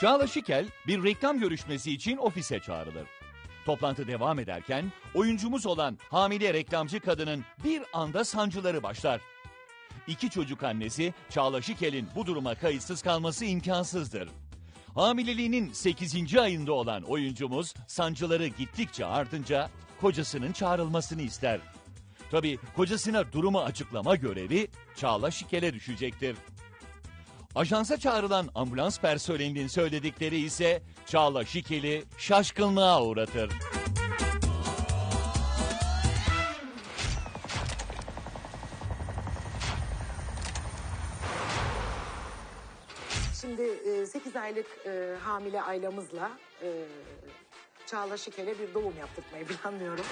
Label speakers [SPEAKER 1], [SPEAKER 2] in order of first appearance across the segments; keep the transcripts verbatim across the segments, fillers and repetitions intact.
[SPEAKER 1] Çağla Şikel bir reklam görüşmesi için ofise çağrılır. Toplantı devam ederken oyuncumuz olan hamile reklamcı kadının bir anda sancıları başlar. İki çocuk annesi Çağla Şikel'in bu duruma kayıtsız kalması imkansızdır. Hamileliğinin sekizinci ayında olan oyuncumuz sancıları gittikçe artınca kocasının çağrılmasını ister. Tabii kocasına durumu açıklama görevi Çağla Şikel'e düşecektir. Ajansa çağrılan ambulans personelinin söyledikleri ise Çağla Şikel'i şaşkınlığa uğratır.
[SPEAKER 2] Şimdi sekiz aylık e, hamile ailemizle e, Çağla Şikel'e bir doğum yaptırmayı planlıyorum.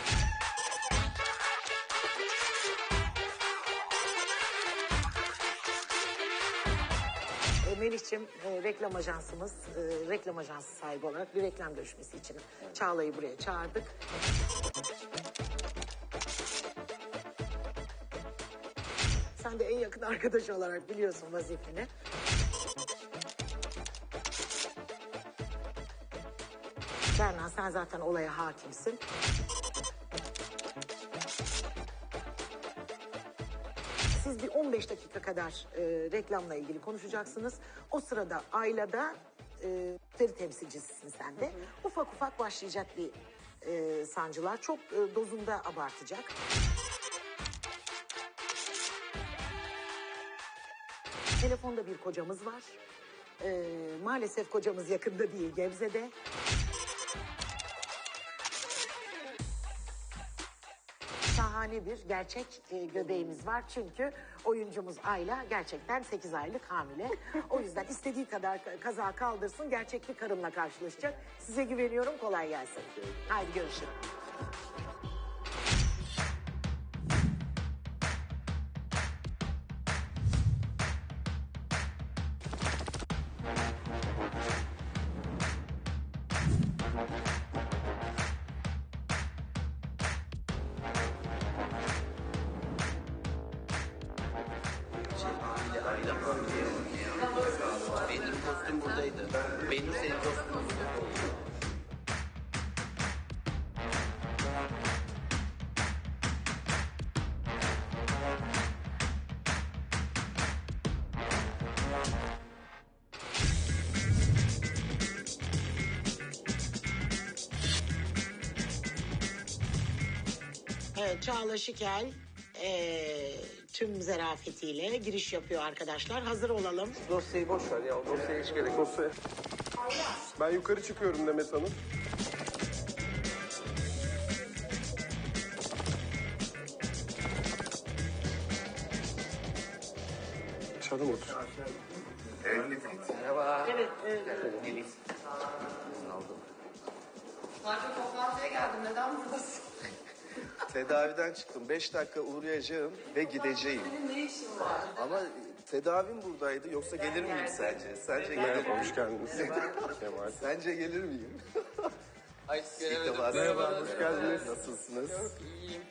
[SPEAKER 2] Melih'ciğim e, reklam ajansımız, e, reklam ajansı sahibi olarak bir reklam görüşmesi için Çağla'yı buraya çağırdık. Sen de en yakın arkadaş olarak biliyorsun vazifeni. Berna, sen zaten olaya hakimsin. Siz bir on beş dakika kadar e, reklamla ilgili konuşacaksınız. O sırada ailede e, müşteri temsilcisisin sen de. Hı hı. Ufak ufak başlayacak bir e, sancılar. Çok e, dozunda abartacak. Telefonda bir kocamız var. E, maalesef kocamız yakında değil, Gebze'de. Şahane bir gerçek e, göbeğimiz var. Çünkü oyuncumuz Ayla gerçekten sekiz aylık hamile. O yüzden istediği kadar kaza kaldırsın, gerçek bir karınla karşılaşacak. Size güveniyorum, kolay gelsin. Haydi görüşürüz.
[SPEAKER 3] Benim kostüm buradaydı. Benim senin kostümün burada.
[SPEAKER 2] Evet, Çağla Şikel e, tüm zarafetiyle giriş yapıyor arkadaşlar. Hazır olalım.
[SPEAKER 4] Dosyayı boş ver ya. O dosyaya hiç gerek yok. Dosya. Ben yukarı çıkıyorum Demet Hanım. Dışarıda mı otur?
[SPEAKER 3] Merhaba.
[SPEAKER 2] Evet, evet.
[SPEAKER 3] Melih.
[SPEAKER 5] Zaten toplantıya geldim. Neden buradasın?
[SPEAKER 6] Tedaviden çıktım. Beş dakika uğrayacağım ve gideceğim.
[SPEAKER 5] Senin ne işin var?
[SPEAKER 6] Ama tedavim buradaydı. Yoksa gelir miyim sence? Sence gelir
[SPEAKER 4] Merhaba,
[SPEAKER 6] miyim?
[SPEAKER 4] hoş geldiniz. Kemal.
[SPEAKER 6] Sence gelir miyim?
[SPEAKER 3] Ay
[SPEAKER 6] İlk
[SPEAKER 3] göremedim.
[SPEAKER 6] defa
[SPEAKER 4] Merhaba, hoş geldiniz.
[SPEAKER 6] Nasılsınız?
[SPEAKER 3] İyiyim.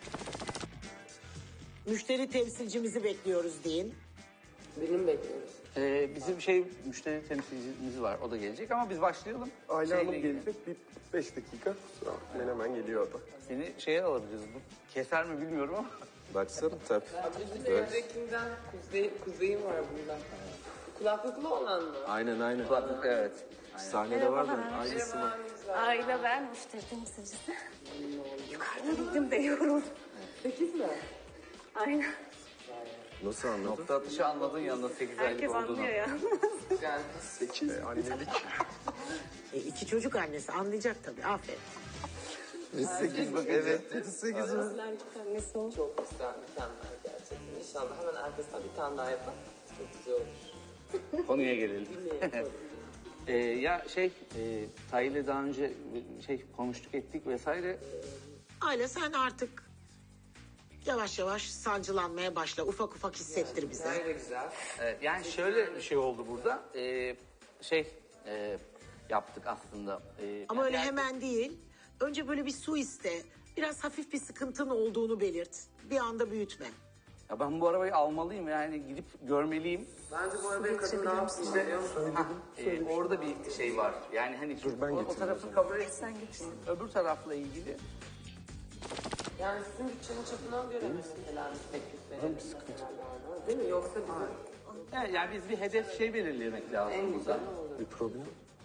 [SPEAKER 2] Müşteri temsilcimizi bekliyoruz deyin.
[SPEAKER 5] Benim bekliyoruz.
[SPEAKER 7] Ee, bizim şey müşteri temsilcimiz var, o da gelecek ama biz başlayalım.
[SPEAKER 4] Ayla
[SPEAKER 7] Şeyle
[SPEAKER 4] Hanım
[SPEAKER 7] ilgili.
[SPEAKER 4] gelecek. Bir beş dakika. Sonra hemen hemen geliyor o da.
[SPEAKER 7] Seni şeye alabiliriz, bu keser mi bilmiyorum ama.
[SPEAKER 6] Baksana tabii.
[SPEAKER 5] Bizim evdekinden kuzey, kuzeyim var bundan. Kulaklıklı olan mı?
[SPEAKER 6] Aynen aynen.
[SPEAKER 7] Kulaklık, evet.
[SPEAKER 6] Sahnede var da aynısı var.
[SPEAKER 8] Ayla ben müşteri temsilcisi. Yukarıda bildim de yoruldum.
[SPEAKER 5] Sekiz mi?
[SPEAKER 8] Aynen.
[SPEAKER 6] Nasıl anladın?
[SPEAKER 7] Nokta atışı anladın yanında sekiz aylık
[SPEAKER 8] Herkes
[SPEAKER 7] olduğunu.
[SPEAKER 8] anlıyor ya.
[SPEAKER 5] Yani
[SPEAKER 6] Sekiz.
[SPEAKER 4] Ee, annelik.
[SPEAKER 2] E, iki çocuk annesi anlayacak tabii. Aferin.
[SPEAKER 6] Sekiz. Evet. Sekiz mi?
[SPEAKER 8] Annesi olmuş.
[SPEAKER 5] çok güzel, mükemmel gerçekten. İnşallah hemen arkasından bir tane daha yapalım. Çok güzel olur.
[SPEAKER 7] Konuya gelelim. Ee, ya şey, e, Tayyip'le daha önce şey konuştuk ettik vesaire.
[SPEAKER 2] Ayla sen artık yavaş yavaş sancılanmaya başla. Ufak ufak hissettir bize.
[SPEAKER 5] Böyle güzel.
[SPEAKER 7] Ee, yani şöyle bir şey oldu burada. Ee, şey e, yaptık aslında. Ee,
[SPEAKER 2] Ama öyle
[SPEAKER 7] yani-
[SPEAKER 2] hemen değil. Önce böyle bir su iste. Biraz hafif bir sıkıntın olduğunu belirt. Bir anda büyütme.
[SPEAKER 7] Ya ben bu arabayı almalıyım yani gidip görmeliyim.
[SPEAKER 5] Bence bu arada kadın ne yapsın işte biliyor musun? Ha, e, orada bir şey var. Yani hani
[SPEAKER 4] ben
[SPEAKER 5] o, o
[SPEAKER 4] getireyim
[SPEAKER 5] tarafı kabul etsen gitsin.
[SPEAKER 7] Öbür tarafla ilgili
[SPEAKER 5] Yani sizin bütçenin çapına göre mesela bir teklif verelim. Bir sıkıntı. Değil mi? Yoksa bizim...
[SPEAKER 7] yani, yani biz bir hedef şey belirlemek lazım.
[SPEAKER 5] En güzel
[SPEAKER 4] Bir problem.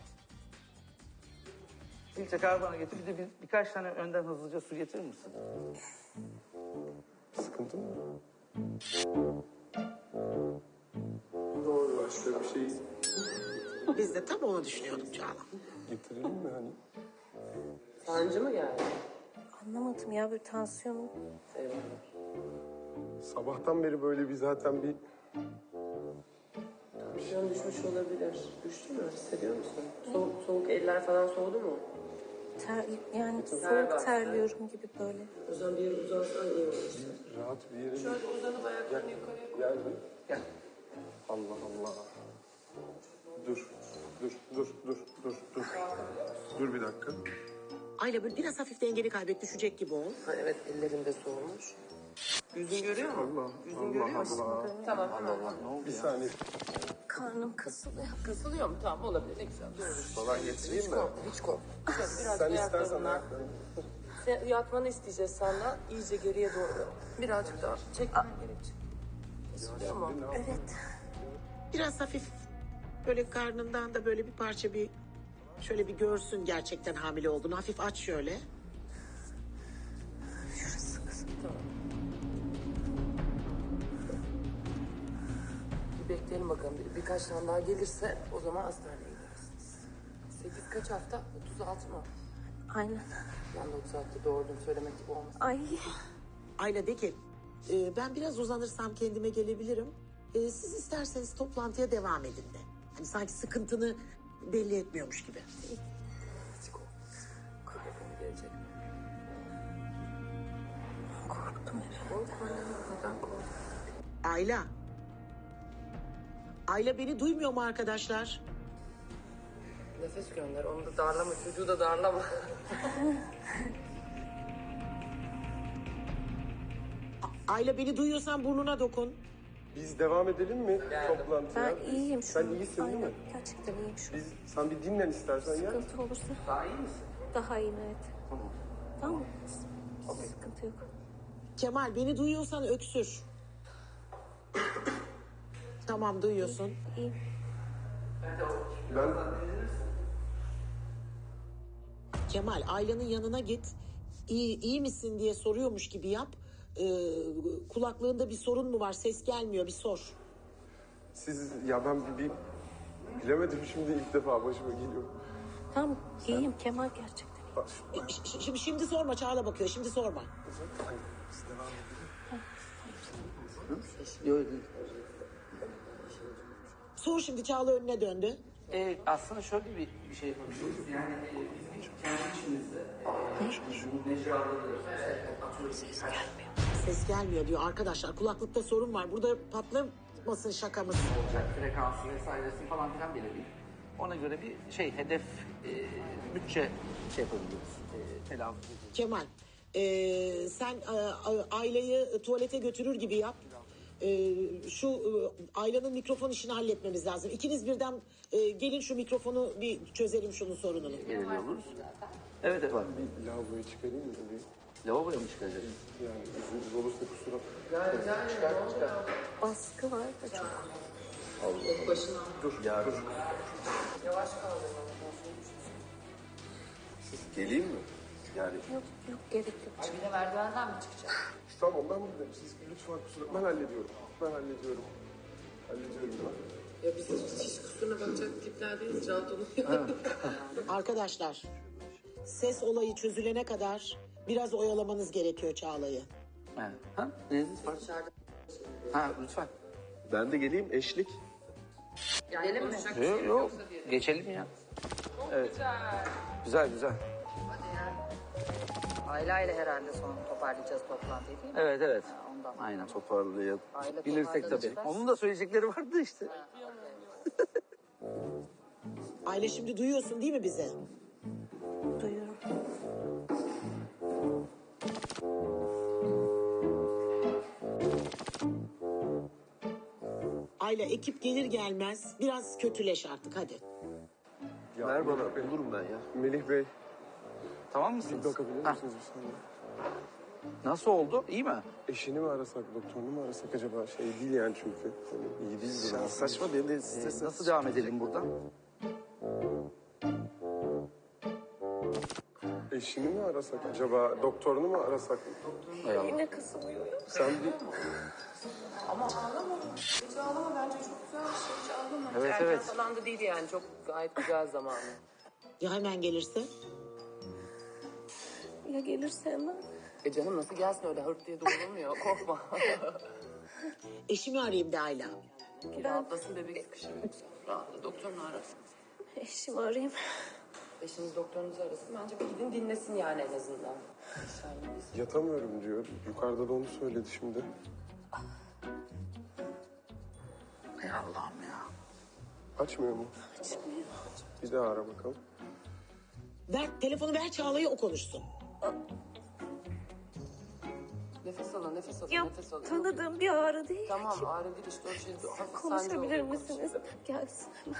[SPEAKER 7] Filtre karbona getir bir de bir, birkaç tane önden hızlıca su getirir misin?
[SPEAKER 4] Sıkıntı mı? Doğru. Başka bir şey
[SPEAKER 2] Biz de tam onu düşünüyorduk Çağla.
[SPEAKER 4] getirelim mi hani?
[SPEAKER 5] sancı mı geldi?
[SPEAKER 8] Anlamadım ya, bir tansiyonum.
[SPEAKER 4] Sabahtan beri böyle bir zaten bir
[SPEAKER 5] Tansiyon düşmüş olabilir. Düştü mü? Hissediyor musun? Soğuk, soğuk eller falan soğudu mu?
[SPEAKER 8] Ter, yani
[SPEAKER 5] Ter
[SPEAKER 8] soğuk
[SPEAKER 5] bastı.
[SPEAKER 8] terliyorum gibi böyle.
[SPEAKER 5] O zaman bir yere uzansan iyi olur.
[SPEAKER 4] rahat bir yere
[SPEAKER 5] Şöyle uzanıp ayaklarını yukarıya koy.
[SPEAKER 4] gel. Gel. Allah Allah. Dur. Dur, dur, dur, dur, dur. Dur bir dakika.
[SPEAKER 2] Ayla böyle biraz hafif dengeni kaybet, düşecek gibi ol.
[SPEAKER 5] Ha, evet ellerinde soğumuş. Yüzün görüyor mu?
[SPEAKER 4] Allah,
[SPEAKER 5] Yüzün
[SPEAKER 4] Allah,
[SPEAKER 5] görüyor musun?
[SPEAKER 4] Allah.
[SPEAKER 5] Tamam hemen.
[SPEAKER 4] Bir saniye.
[SPEAKER 8] Karnım kasılıyor.
[SPEAKER 5] Kasılıyor mu? Tamam olabilir. Ne güzel. Doğru.
[SPEAKER 4] Falan getireyim
[SPEAKER 5] Hiç
[SPEAKER 4] mi?
[SPEAKER 5] korkma, hiç korkma. Şöyle biraz
[SPEAKER 4] Sen
[SPEAKER 5] ayaklarından-
[SPEAKER 4] istersen ayaklarını.
[SPEAKER 5] Sen yatmanı isteyeceğiz senden. İyice geriye doğru. Birazcık daha çekmen gerekecek. Kesiliyor mu?
[SPEAKER 8] Evet.
[SPEAKER 2] Biraz hafif böyle karnından da böyle bir parça bir şöyle bir görsün gerçekten hamile olduğunu. Hafif aç şöyle.
[SPEAKER 5] Bir bekleyelim bakalım. Bir, birkaç tane daha gelirse o zaman hastaneye gidersiniz. Sekiz kaç hafta? otuz altı mı?
[SPEAKER 8] Aynen.
[SPEAKER 5] Ben de otuz altıda doğurdum söylemek gibi olmasın.
[SPEAKER 8] Ay.
[SPEAKER 2] Ayla de ki e, ben biraz uzanırsam kendime gelebilirim. E, siz isterseniz toplantıya devam edin de. Hani sanki sıkıntını belli etmiyormuş gibi.
[SPEAKER 5] Hiç korkma. Korkma gelecek.
[SPEAKER 8] Korktum evet.
[SPEAKER 5] Korkma ne kadar korkma.
[SPEAKER 2] Ayla. Ayla beni duymuyor mu arkadaşlar?
[SPEAKER 5] Nefes gönder. Onu da darlama. Çocuğu da darlama.
[SPEAKER 2] Ayla beni duyuyorsan burnuna dokun.
[SPEAKER 4] Biz devam edelim mi toplantıya?
[SPEAKER 8] Ben iyiyim şu
[SPEAKER 4] Sen
[SPEAKER 8] an.
[SPEAKER 4] iyisin değil
[SPEAKER 8] Aynen.
[SPEAKER 4] mi?
[SPEAKER 8] Gerçekten iyiyim şu an.
[SPEAKER 4] Biz, sen bir dinlen istersen ya.
[SPEAKER 8] Sıkıntı olursa
[SPEAKER 7] Daha iyi misin?
[SPEAKER 8] daha iyiyim evet. Tamam mı? Sıkıntı yok.
[SPEAKER 2] Kemal beni duyuyorsan öksür. Tamam duyuyorsun.
[SPEAKER 8] İyiyim.
[SPEAKER 4] Ben
[SPEAKER 2] Kemal Ayla'nın yanına git. İyi, iyi misin diye soruyormuş gibi yap. Ee, kulaklığında bir sorun mu var? Ses gelmiyor bir sor.
[SPEAKER 4] siz ya ben bir, bir bilemedim şimdi ilk defa başıma geliyor.
[SPEAKER 8] Tamam iyiyim Kemal gerçekten.
[SPEAKER 4] Bak,
[SPEAKER 2] Ş- ş- Şimdi, şimdi sorma Çağla bakıyor. Şimdi sorma.
[SPEAKER 4] hani biz devam edelim.
[SPEAKER 7] Yok değil.
[SPEAKER 2] Sor şimdi Çağla önüne döndü.
[SPEAKER 7] Ee, aslında şöyle bir, bir şey yapabiliriz. Yani e, biz bir kendi içimizde e, mecraları atıyoruz.
[SPEAKER 2] Ses gelmiyor diyor arkadaşlar. Kulaklıkta sorun var. Burada patlamasın şakamız.
[SPEAKER 7] Olacak frekansı vesairesi falan filan belirleyip ona göre bir şey hedef e, bütçe şey yapabiliriz. E, telaffuz edeceğiz.
[SPEAKER 2] Kemal ee, sen e, a- Ayla'yı tuvalete götürür gibi yap. Ee, şu e, Ayla'nın mikrofon işini halletmemiz lazım. İkiniz birden e, gelin şu mikrofonu bir çözelim şunun sorununu.
[SPEAKER 7] Belirli oluruz. Evet evet. Var.
[SPEAKER 4] Bir lavaboya çıkarayım mı? Bir,
[SPEAKER 7] Lavaboya mı çıkacağız?
[SPEAKER 4] yani izniniz olursa kusura.
[SPEAKER 5] Çıkar çıkar.
[SPEAKER 8] Baskı var da çok.
[SPEAKER 5] Başına.
[SPEAKER 4] Dur, ya dur.
[SPEAKER 5] Yavaş kaldır.
[SPEAKER 4] Siz geleyim mi? Yani
[SPEAKER 8] Yok yok gerek yok.
[SPEAKER 5] Bir de merdivenden mi çıkacak?
[SPEAKER 4] tamam ben buradayım. Siz lütfen kusura. Ben hallediyorum. Ben hallediyorum. Hallediyorum ben.
[SPEAKER 5] Ya biz hiç, hiç kusuruna bakacak tipler değiliz. Rahat olun.
[SPEAKER 2] Arkadaşlar ses olayı çözülene kadar biraz oyalamanız gerekiyor Çağla'yı.
[SPEAKER 7] Evet. Ha? Neyiniz var? Ha lütfen.
[SPEAKER 4] Ben de geleyim eşlik.
[SPEAKER 5] Gidelim mi?
[SPEAKER 7] Yok yok. Geçelim ya. Evet. Güzel güzel.
[SPEAKER 9] Ayla ile herhalde son toparlayacağız toplantıyı değil mi?
[SPEAKER 7] Evet evet.
[SPEAKER 9] Ondan.
[SPEAKER 7] Aynen.
[SPEAKER 4] Toparlayalım.
[SPEAKER 9] Aile
[SPEAKER 7] Bilirsek tabii.
[SPEAKER 9] toparlanırsa-
[SPEAKER 7] Onun da söyleyecekleri vardı işte.
[SPEAKER 2] Aile şimdi duyuyorsun değil mi bizi?
[SPEAKER 8] Duyuyorum.
[SPEAKER 2] Ayla ekip gelir gelmez biraz kötüleş artık hadi.
[SPEAKER 6] Ya,
[SPEAKER 7] Ver bana,
[SPEAKER 6] Melih Bey.
[SPEAKER 7] bulurum ben ya.
[SPEAKER 6] Melih Bey,
[SPEAKER 7] Tamam
[SPEAKER 6] bir
[SPEAKER 7] mısınız?
[SPEAKER 6] bakabilir
[SPEAKER 7] Heh,
[SPEAKER 6] misiniz bir saniye?
[SPEAKER 7] Nasıl oldu? İyi mi?
[SPEAKER 6] Eşini mi arasak, doktorunu mu arasak acaba? Şey değil yani çünkü. Yani iyi değil durum.
[SPEAKER 7] Ya
[SPEAKER 6] saçma benim de
[SPEAKER 7] Ee,
[SPEAKER 6] strese...
[SPEAKER 7] nasıl devam edelim buradan?
[SPEAKER 6] Eşini mi arasak acaba? Doktorunu mu arasak?
[SPEAKER 8] Yine kasılıyor.
[SPEAKER 6] Sen bir...
[SPEAKER 5] Ama ağlama. Hiç ağlama bence çok güzel bir şey. Hiç ağlama.
[SPEAKER 7] Evet,
[SPEAKER 5] Erken
[SPEAKER 7] evet.
[SPEAKER 5] falan da değil yani. Çok gayet güzel zamanı.
[SPEAKER 2] Ya hemen gelirse?
[SPEAKER 8] Ya gelirse hemen?
[SPEAKER 5] E canım nasıl gelsin öyle hırt diye doğrulmuyor. Korkma.
[SPEAKER 2] Eşimi arayayım de Ayla.
[SPEAKER 5] Bir rahatlasın bebek sıkışır yoksa. Rahatla doktorunu arasın.
[SPEAKER 8] Eşimi arayayım.
[SPEAKER 5] Eşiniz doktorunuzu arasın. Bence bir gidin dinlesin yani en azından. İnşallah biz-
[SPEAKER 6] Yatamıyorum diyor. Yukarıda da onu söyledi şimdi.
[SPEAKER 7] Ey Allah'ım ya.
[SPEAKER 6] Açmıyor mu?
[SPEAKER 8] Açmıyor.
[SPEAKER 6] Bir daha ara bakalım.
[SPEAKER 2] Ver telefonu ver Çağla'ya o konuşsun.
[SPEAKER 5] Nefes alın, nefes alın,
[SPEAKER 8] Ya
[SPEAKER 5] nefes alın.
[SPEAKER 8] tanıdığım bir ağrı değil.
[SPEAKER 5] Tamam ağrı değil işte o şey hafif sancı
[SPEAKER 8] Konuşabilir
[SPEAKER 5] oluyor,
[SPEAKER 8] misiniz?
[SPEAKER 5] konuşun.
[SPEAKER 8] Gelsin hemen.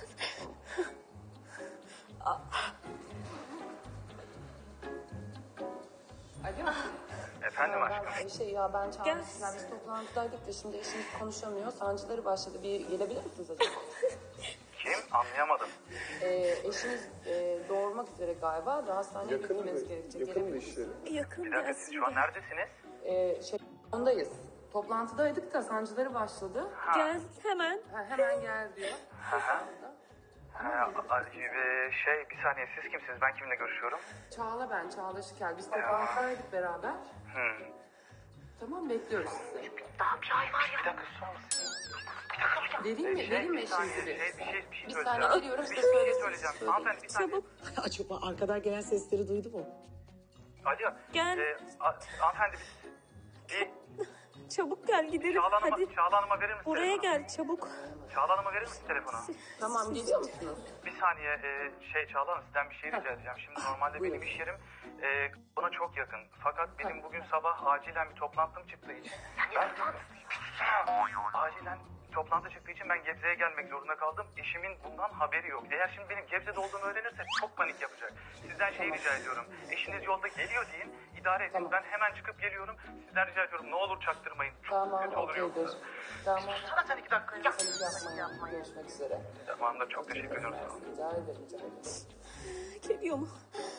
[SPEAKER 5] Alo.
[SPEAKER 10] Efendim aşkım?
[SPEAKER 5] Ben, şey ya ben
[SPEAKER 8] Gel.
[SPEAKER 5] çağırmışlar. Biz toplantıdaydık da şimdi eşimiz konuşamıyor. Sancıları başladı. Bir gelebilir misiniz acaba?
[SPEAKER 10] Kim? Anlayamadım.
[SPEAKER 5] Ee, eşiniz e, doğurmak üzere galiba. Daha hastaneye
[SPEAKER 6] Yakın mı?
[SPEAKER 5] gitmemiz gerekecek.
[SPEAKER 6] Yakın mı
[SPEAKER 5] Gelebilir misiniz?
[SPEAKER 6] işleri?
[SPEAKER 8] Yakın
[SPEAKER 10] Bir dakika
[SPEAKER 8] gelsin.
[SPEAKER 10] siz şu an
[SPEAKER 8] de.
[SPEAKER 10] neredesiniz?
[SPEAKER 5] Ee, şey ondayız. Toplantıdaydık da sancıları başladı.
[SPEAKER 8] Gel hemen.
[SPEAKER 5] Ha, hemen gel diyor.
[SPEAKER 10] Ha, a- e, şey bir saniye siz kimsiniz? Ben kiminle görüşüyorum?
[SPEAKER 5] Çağla ben, Çağla Şikel. Biz toplantıdaydık beraber.
[SPEAKER 10] Hmm.
[SPEAKER 5] Tamam bekliyoruz sizi.
[SPEAKER 10] Bir dakika susar mısın?
[SPEAKER 5] Vereyim mi?
[SPEAKER 10] Şey,
[SPEAKER 5] Vereyim mi
[SPEAKER 10] bir saniye,
[SPEAKER 5] eşinizi
[SPEAKER 10] şey,
[SPEAKER 5] bir?
[SPEAKER 10] bir şey, bir şey
[SPEAKER 5] Bir
[SPEAKER 10] söyleyeceğim.
[SPEAKER 5] saniye veriyorum size
[SPEAKER 10] Bir şey
[SPEAKER 5] söylesin.
[SPEAKER 10] söyleyeceğim.
[SPEAKER 5] Söyleyin.
[SPEAKER 10] Hanımefendi bir saniye.
[SPEAKER 8] Çabuk.
[SPEAKER 2] Acaba arkadan gelen sesleri duydu mu?
[SPEAKER 10] Alo.
[SPEAKER 8] Gel.
[SPEAKER 10] E, a- hanımefendi biz... Bir
[SPEAKER 8] Çabuk gel gidelim.
[SPEAKER 10] Çağla Hanım'a,
[SPEAKER 8] Hadi.
[SPEAKER 10] Çağla Hanım'a verir misin
[SPEAKER 8] Buraya
[SPEAKER 10] telefonu?
[SPEAKER 8] gel çabuk.
[SPEAKER 10] Çağla Hanım'a verir misin telefonu?
[SPEAKER 5] Tamam geliyor musunuz?
[SPEAKER 10] Bir saniye e, şey Çağla Hanım sizden bir şey rica edeceğim. Şimdi normalde benim iş yerim e, bana çok yakın. Fakat benim bugün sabah acilen bir toplantım çıktığı için. Ben, acilen toplantı çıktığı için ben Gebze'ye gelmek zorunda kaldım. Eşimin bundan haberi yok. Eğer şimdi benim Gebze'de olduğumu öğrenirse çok panik yapacak. Sizden şey rica ediyorum. Eşiniz yolda geliyor deyin. İdare edin.
[SPEAKER 5] Tamam.
[SPEAKER 10] Ben hemen çıkıp geliyorum. Sizden rica ediyorum. Ne olur çaktırmayın. Çok
[SPEAKER 5] Tamam
[SPEAKER 10] kötü olur
[SPEAKER 5] okeydir.
[SPEAKER 10] yoksa.
[SPEAKER 5] Tamam.
[SPEAKER 10] Sana sen iki dakika. Ya.
[SPEAKER 5] Panik yapmayın. Görüşmek üzere.
[SPEAKER 10] Tamam da çok teşekkür ediyorum.
[SPEAKER 5] Rica ederim. Rica ederim.
[SPEAKER 8] Geliyor mu?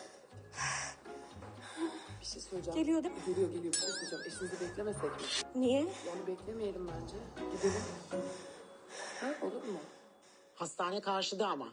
[SPEAKER 5] Bir şey söyleyeceğim.
[SPEAKER 8] Geliyor değil mi?
[SPEAKER 5] Geliyor geliyor. Bir şey söyleyeceğim. Eşinizi beklemesek mi?
[SPEAKER 8] Niye?
[SPEAKER 5] Yani beklemeyelim bence. Gidelim. Ha, olur mu?
[SPEAKER 2] Hastane karşıda ama.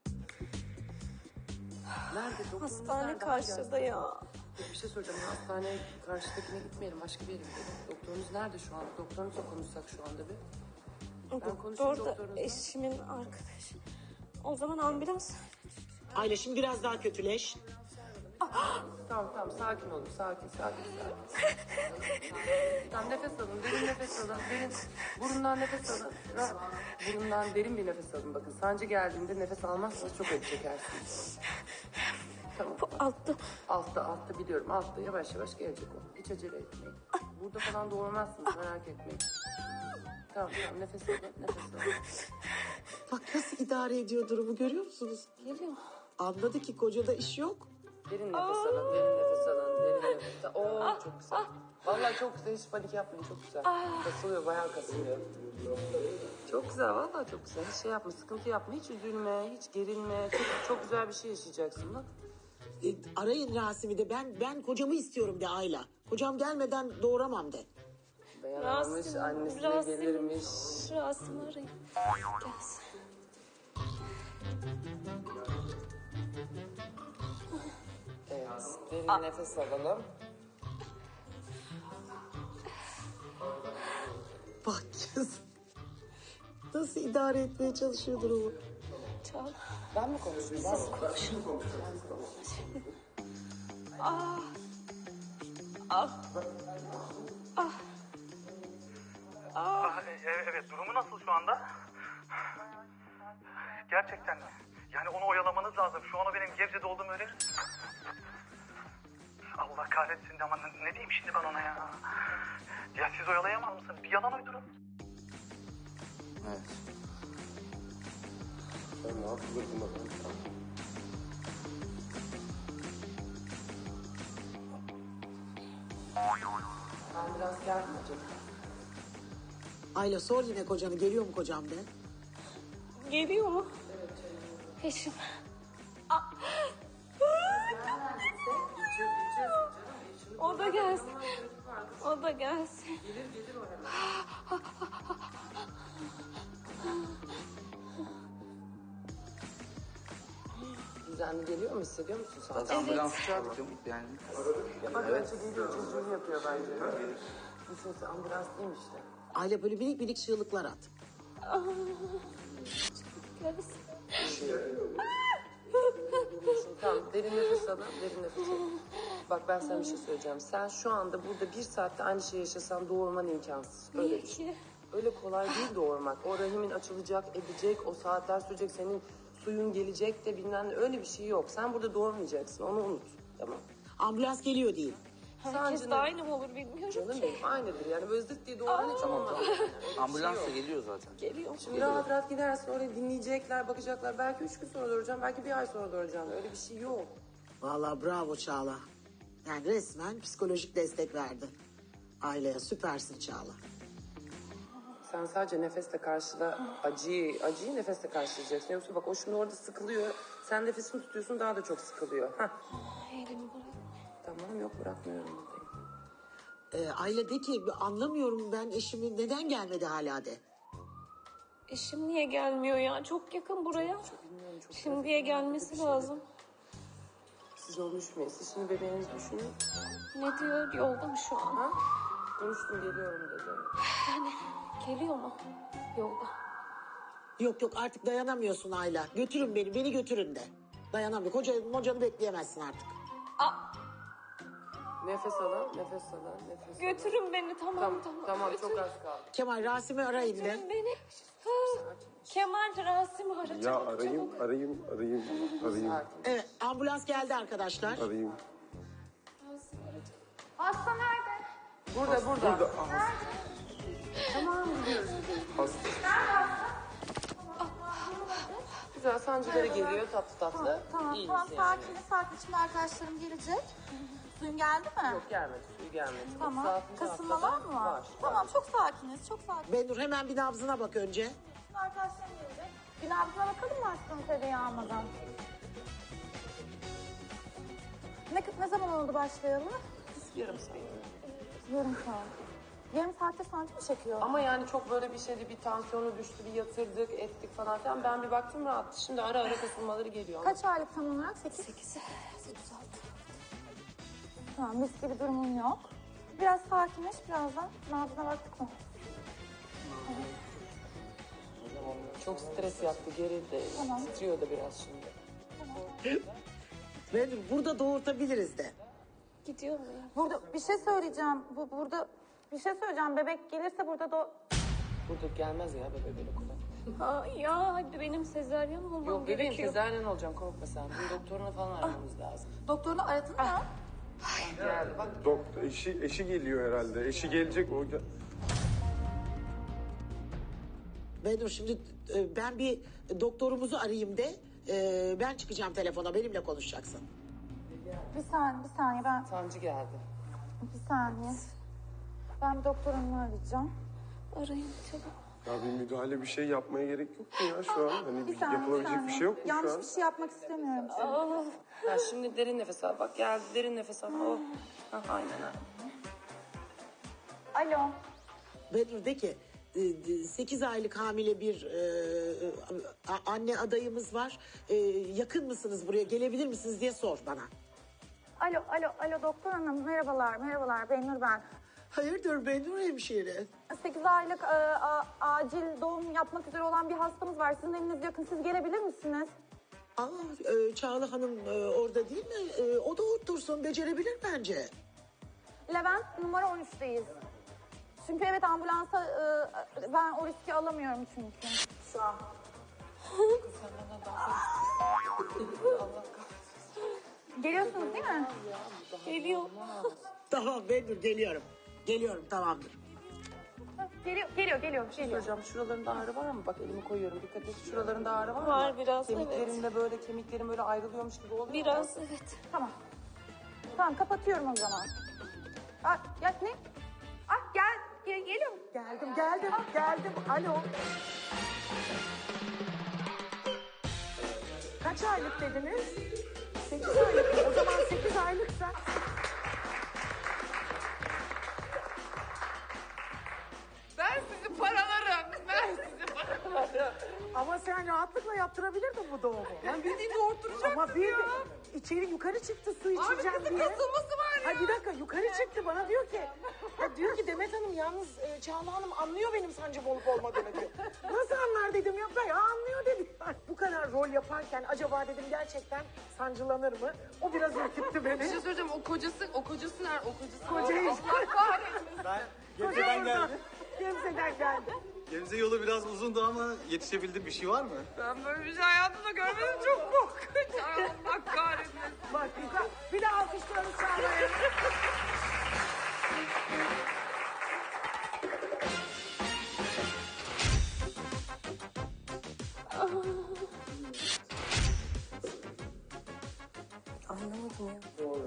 [SPEAKER 5] Nerede? Doktorunuz
[SPEAKER 8] Hastane
[SPEAKER 5] nerede?
[SPEAKER 8] karşıda ya.
[SPEAKER 5] Yok, bir şey soracağım. Hastane karşıdakine gitmeyelim. Başka bir yere gidelim. Doktorunuz nerede şu anda? Doktorunuzla konuşsak şu anda bir. Ben konuşayım
[SPEAKER 8] Doktor da
[SPEAKER 5] doktorunuzla.
[SPEAKER 8] eşimin arkadaşı. O zaman ambulans.
[SPEAKER 2] Ayla şimdi biraz daha kötüleş.
[SPEAKER 5] Tamam tamam sakin olun. Sakin sakin sakin. Tamam nefes alın. Derin nefes alın. Derin burundan nefes alın. Ra- Burundan derin bir nefes alın. Bakın sancı geldiğinde nefes almazsanız çok acı çekersiniz. Tamam.
[SPEAKER 8] Bu altta.
[SPEAKER 5] Altta altta biliyorum. Altta yavaş yavaş gelecek o. Hiç acele etmeyin. Burada falan doğurmazsınız merak etmeyin. Tamam tamam nefes alın. Nefes alın.
[SPEAKER 2] Bak nasıl idare ediyor durumu görüyor musunuz?
[SPEAKER 8] Geliyor.
[SPEAKER 2] Anladı ki kocada iş yok.
[SPEAKER 5] Derin nefes alın. Derin nefes alın. Derin nefes alın. Oo çok güzel. Vallahi çok güzel. Hiç panik yapmayın. Çok güzel. Kasılıyor. Bayağı kasılıyor. Çok güzel. Vallahi çok güzel. Hiç şey yapma. Sıkıntı yapma. Hiç üzülme. Hiç gerilme. Çok, çok güzel bir şey yaşayacaksın bak.
[SPEAKER 2] E, arayın Rasim'i de ben ben kocamı istiyorum de Ayla. Kocam gelmeden doğuramam de.
[SPEAKER 5] Dayanamamış.
[SPEAKER 8] Rasim,
[SPEAKER 5] Annesi de
[SPEAKER 8] Rasim.
[SPEAKER 5] gelirmiş.
[SPEAKER 8] Rasim arayın. Gelsin.
[SPEAKER 5] Evet. Derin nefes alalım.
[SPEAKER 2] Bak kız. Nasıl idare etmeye çalışıyor durumu.
[SPEAKER 8] Çağla.
[SPEAKER 5] Ben mi konuşayım? Ben mi
[SPEAKER 8] Konuşun. Ah. Ah. Ah.
[SPEAKER 10] Ah, e- e- evet durumu nasıl şu anda? Gerçekten mi? Yani onu oyalamanız lazım. Şu an o benim Gebze'de olduğumu öğrenir. Allah kahretsin de ama ne, ne diyeyim şimdi ben ona ya? Ya siz oyalayamaz mısınız? Bir yalan uydurun.
[SPEAKER 7] Evet.
[SPEAKER 4] Ben ne yapılır buna ben?
[SPEAKER 5] Ambulans geldi mi acaba?
[SPEAKER 2] Ayla sor yine kocanı, geliyor mu kocam de.
[SPEAKER 8] Geliyor mu? Eşim. Aa. O da gelsin. O da gelsin.
[SPEAKER 5] Gelir gelir o hemen. Düzenli geliyor mu, hissediyor musun sen?
[SPEAKER 7] Zaten ambulansı çağırdık yani.
[SPEAKER 5] Bak önce geliyor, çocuğunu yapıyor bence. Düşünsene ambulans değil mi işte?
[SPEAKER 2] Ayla böyle minik minik çığlıklar at.
[SPEAKER 8] Gelsin.
[SPEAKER 5] Tamam, derin nefes alın, derin nefes alın. Bak ben sana bir şey söyleyeceğim. Sen şu anda burada bir saatte aynı şeyi yaşasan doğurman imkansız. Öyle düşün. Öyle kolay değil doğurmak. O rahimin açılacak, edecek, o saatler sürecek, senin suyun gelecek de bilmem ne. Öyle bir şey yok. Sen burada doğurmayacaksın, onu unut. Tamam.
[SPEAKER 2] Ambulans geliyor değil.
[SPEAKER 8] Herkes de aynı mı olur bilmiyorum
[SPEAKER 5] Canım
[SPEAKER 8] ki.
[SPEAKER 5] benim aynıdır yani. Böyle zıt diye doğuran hiç olmaz.
[SPEAKER 7] Ambulans da geliyor zaten.
[SPEAKER 8] Geliyor.
[SPEAKER 5] Şimdi rahat rahat gidersin oraya dinleyecekler, bakacaklar. Belki üç gün sonra doğuracağım, belki bir ay sonra doğuracağım. Öyle bir şey yok.
[SPEAKER 2] Vallahi bravo Çağla. Yani resmen psikolojik destek verdi. Aileye süpersin Çağla.
[SPEAKER 5] Sen sadece nefesle karşıla acıyı, acıyı nefesle karşılayacaksın. Yoksa bak o şimdi orada sıkılıyor. Sen nefesini tutuyorsun daha da çok sıkılıyor. Hah.
[SPEAKER 8] Elimi bırak.
[SPEAKER 5] Tamam yok bırakmıyorum buradayım.
[SPEAKER 2] Ee, Ayla de ki anlamıyorum ben eşimi neden gelmedi hala de.
[SPEAKER 8] Eşim niye gelmiyor ya? Çok yakın buraya.
[SPEAKER 5] Bilmiyorum çok
[SPEAKER 8] Şimdiye gelmesi lazım.
[SPEAKER 5] Siz onu düşünmeyin. Siz şimdi bebeğinizi düşünün.
[SPEAKER 8] Ne diyor? Yolda mı şu an?
[SPEAKER 5] Ha? Konuştum geliyorum dedi.
[SPEAKER 8] Yani geliyor mu? Yolda.
[SPEAKER 2] Yok yok artık dayanamıyorsun Ayla. Götürün beni, beni götürün de. Dayanamıyor. Koca, kocanı bekleyemezsin artık.
[SPEAKER 8] Aa,
[SPEAKER 5] Nefes alın, nefes alın, nefes alın.
[SPEAKER 8] götürün beni tamam
[SPEAKER 5] Tamam,
[SPEAKER 8] tamam.
[SPEAKER 5] tamam
[SPEAKER 8] Götürün.
[SPEAKER 5] çok az kaldı.
[SPEAKER 2] Kemal Rasim'i arayın de.
[SPEAKER 8] Götürün beni. Ha, Kemal Rasim'i ara
[SPEAKER 4] Ya
[SPEAKER 8] çabuk,
[SPEAKER 4] arayayım,
[SPEAKER 8] çabuk.
[SPEAKER 4] arayayım, arayayım, arayayım,
[SPEAKER 2] Evet ambulans geldi arkadaşlar.
[SPEAKER 4] arayayım.
[SPEAKER 8] Hasta nerede?
[SPEAKER 5] Burada, burada.
[SPEAKER 4] Burada ah,
[SPEAKER 5] Tamam gidiyoruz.
[SPEAKER 4] hasta.
[SPEAKER 5] Güzel sancıları geliyor tatlı tatlı.
[SPEAKER 11] Tamam,
[SPEAKER 5] İyi
[SPEAKER 11] tamam
[SPEAKER 5] misin yani?
[SPEAKER 11] sakin, sakin. Şimdi arkadaşlarım gelecek. Suyun geldi mi?
[SPEAKER 5] Yok gelmedi, suyu gelmedi.
[SPEAKER 11] Tamam.
[SPEAKER 5] otuz altıncı
[SPEAKER 11] Kasılma
[SPEAKER 5] haftada
[SPEAKER 11] var mı? Var.
[SPEAKER 5] Var.
[SPEAKER 11] Tamam, çok sakiniz, çok sakin.
[SPEAKER 2] Benur hemen bir nabzına bak önce.
[SPEAKER 11] Şimdi arkadaşlarım gelecek. Bir nabzına bakalım mı aşkım tereyağı almadan? Ne, ne zaman oldu başlayalı?
[SPEAKER 5] Yarım saat.
[SPEAKER 11] Yarım saat. Yarım saatte sancı mı çekiyor?
[SPEAKER 5] Ama yani çok böyle bir şeydi, bir tansiyonu düştü, bir yatırdık, ettik falan filan. Ben bir baktım rahattı. Şimdi ara ara kasılmaları geliyor.
[SPEAKER 11] Kaç aylık tam olarak? Sekiz? Sekiz. Sekiz altı. Tamam, mis gibi durumun yok. Biraz sakinleş, birazdan nabzına baktık mı?
[SPEAKER 5] Çok stres yaptı, gerildi.
[SPEAKER 11] Tamam.
[SPEAKER 5] Titriyor da biraz şimdi.
[SPEAKER 2] Benur burada doğurtabiliriz de.
[SPEAKER 8] Gidiyor mu ya?
[SPEAKER 11] Burada bir şey söyleyeceğim. Bu burada bir şey söyleyeceğim. Bebek gelirse burada da
[SPEAKER 5] Burada gelmez ya bebe böyle kolay.
[SPEAKER 8] Aa, ya hadi benim sezaryen olmam
[SPEAKER 5] Yok bebeğim
[SPEAKER 8] gerekiyor.
[SPEAKER 5] sezaryen olacağım korkma sen. Bir doktoruna falan aramamız lazım.
[SPEAKER 11] doktorunu aradın mı?
[SPEAKER 5] Geldi bak.
[SPEAKER 4] Doktor, eşi, eşi geliyor herhalde. Eşi gelecek o. gel-
[SPEAKER 2] Benur şimdi e, ben bir doktorumuzu arayayım de. e, Ben çıkacağım telefona benimle konuşacaksın.
[SPEAKER 11] Bir saniye, bir saniye ben
[SPEAKER 5] Sancı geldi.
[SPEAKER 11] bir saniye. Ben bir doktorumu arayacağım.
[SPEAKER 8] Arayın çabuk.
[SPEAKER 4] Ya bir müdahale bir şey yapmaya gerek yok mu ya şu an? Hani
[SPEAKER 11] Bir
[SPEAKER 4] bir
[SPEAKER 11] saniye,
[SPEAKER 4] yapılabilecek bir
[SPEAKER 11] saniye.
[SPEAKER 4] şey yok mu şu
[SPEAKER 11] Yanlış
[SPEAKER 4] an?
[SPEAKER 11] bir şey yapmak istemiyorum.
[SPEAKER 5] Ha, şimdi derin nefes al. Bak geldi derin nefes al. Oh. Ha, aynen ha.
[SPEAKER 11] Alo.
[SPEAKER 2] Benur de ki sekiz aylık hamile bir e, a- anne adayımız var. E, yakın mısınız buraya gelebilir misiniz diye sor bana.
[SPEAKER 11] Alo, alo, alo doktor hanım. Merhabalar, merhabalar. Benur ben.
[SPEAKER 2] Hayırdır Benur hemşire?
[SPEAKER 11] sekiz aylık e, a- acil doğum yapmak üzere olan bir hastamız var. Sizin eliniz yakın. Siz gelebilir misiniz?
[SPEAKER 2] Aa, e, Çağla Hanım e, orada değil mi? E, o da otursun becerebilir bence.
[SPEAKER 11] Levent numara on üçteyiz. Çünkü evet ambulansa e, ben o riski alamıyorum çünkü. Şu an. Geliyorsunuz değil mi?
[SPEAKER 8] Geliyor.
[SPEAKER 2] Tamam Benur geliyorum. Geliyorum tamamdır.
[SPEAKER 5] Geliyor, geliyor, geliyor. Bir şey söyleyeceğim. Şuralarında ağrı var mı? Bak elimi koyuyorum. Dikkat et. Şuralarında ağrı var mı?
[SPEAKER 11] Var biraz,
[SPEAKER 5] Kemiklerinde
[SPEAKER 11] evet.
[SPEAKER 5] böyle kemiklerim böyle ayrılıyormuş gibi oluyor mu?
[SPEAKER 11] Biraz evet.
[SPEAKER 12] Tamam. Tamam kapatıyorum o zaman. Ah, ya ne?
[SPEAKER 5] Ah gel, gel geliyorum.
[SPEAKER 2] Geldim, geldim, geldim. Alo. Kaç aylık dediniz? Sekiz aylık. O zaman sekiz aylıksa...
[SPEAKER 5] Ben sizi paralarım. Ben sizi paralarım.
[SPEAKER 2] Ama sen rahatlıkla yaptırabilirdin bu doğumu.
[SPEAKER 5] Ben bildiğin doğurtturacaktım
[SPEAKER 2] Ama bir
[SPEAKER 5] ya.
[SPEAKER 2] de içeri yukarı çıktı su
[SPEAKER 5] Abi
[SPEAKER 2] içeceğim
[SPEAKER 5] kızın
[SPEAKER 2] diye.
[SPEAKER 5] kasılması var ya.
[SPEAKER 2] Ay bir dakika yukarı çıktı bana diyor ki. Ya diyor ki Demet Hanım yalnız e, Çağla Hanım anlıyor benim sancım olup olmadığını diyor. Nasıl anlar dedim ya. Ya anlıyor dedi. Ay, bu kadar rol yaparken acaba dedim gerçekten sancılanır mı? O biraz ürküttü beni.
[SPEAKER 5] Bir şey söyleyeceğim. O kocası, o kocası nerede? O kocası.
[SPEAKER 2] Kocayı-
[SPEAKER 5] Allah kahretsin.
[SPEAKER 4] Ben
[SPEAKER 2] Gebze'den geldi. Gebze'den geldi.
[SPEAKER 4] Gebze yolu biraz uzundu ama yetişebildim. Bir şey var mı?
[SPEAKER 5] Ben böyle bir şey hayatımda görmedim. Çok korkunç. Ay, Allah kahretsin.
[SPEAKER 2] Bak yukarı. Bir de alkışlarını Çağla'ya.
[SPEAKER 5] Anlamadım ya.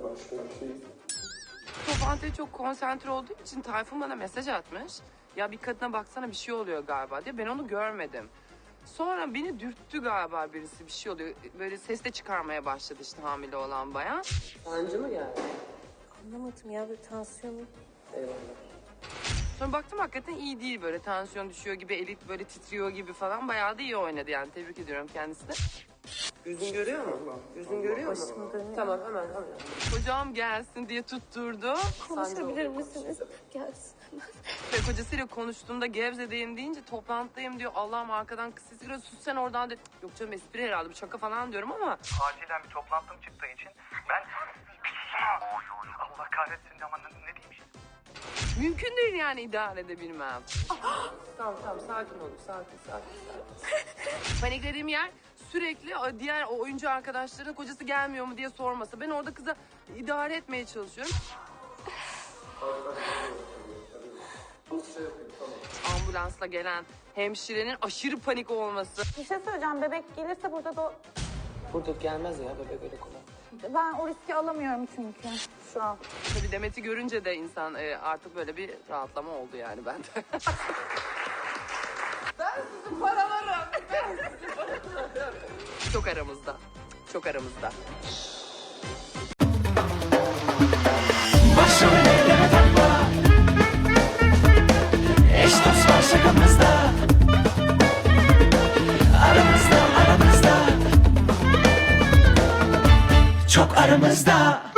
[SPEAKER 5] Toplantıya çok konsantre olduğum için Tayfun bana mesaj atmış. Ya bir kadına baksana bir şey oluyor galiba diye. Ben onu görmedim. Sonra beni dürttü galiba birisi bir şey oluyor. Böyle ses de çıkarmaya başladı işte hamile olan bayan. Sancı mı geldi?
[SPEAKER 8] Anlamadım ya bir tansiyonu.
[SPEAKER 5] Eyvallah. Sonra baktım hakikaten iyi değil böyle tansiyon düşüyor gibi, elit böyle titriyor gibi falan. Bayağı da iyi oynadı yani tebrik ediyorum kendisine. Yüzün görüyor mu? Yüzün görüyor mu? Tamam hemen hemen. Kocam gelsin diye tutturdu.
[SPEAKER 8] Konuşabilir misiniz? Gelsin hemen.
[SPEAKER 5] Ve kocasıyla konuştuğunda Gebze'deyim deyince toplantıdayım diyor. Allah'ım arkadan kız sesi geliyor. Sus sen oradan diyor. Yok canım espri herhalde bu şaka falan diyorum ama.
[SPEAKER 10] Acilen bir toplantım çıktığı için ben... Allah kahretsin ama ne, ne diyeyim şimdi?
[SPEAKER 5] Mümkün değil yani idare edebilmem. Tamam tamam sakin olun sakin sakin sakin. Paniklediğim yer sürekli o diğer o oyuncu arkadaşların kocası gelmiyor mu diye sorması. Ben orada kıza idare etmeye çalışıyorum. Ambulansla gelen hemşirenin aşırı panik olması.
[SPEAKER 11] Bir şey söyleyeceğim. Bebek gelirse burada da
[SPEAKER 5] Burada gelmez ya bebek öyle kolay.
[SPEAKER 11] ben o riski alamıyorum çünkü şu an.
[SPEAKER 5] Tabii Demet'i görünce de insan e, artık böyle bir rahatlama oldu yani bende. Ben sizi paralarım. Ben sizi paralarım. Çok aramızda. Çok aramızda.
[SPEAKER 13] Başrol eyleme takla. Eş dost var şakamızda. Aramızda aramızda. Çok aramızda.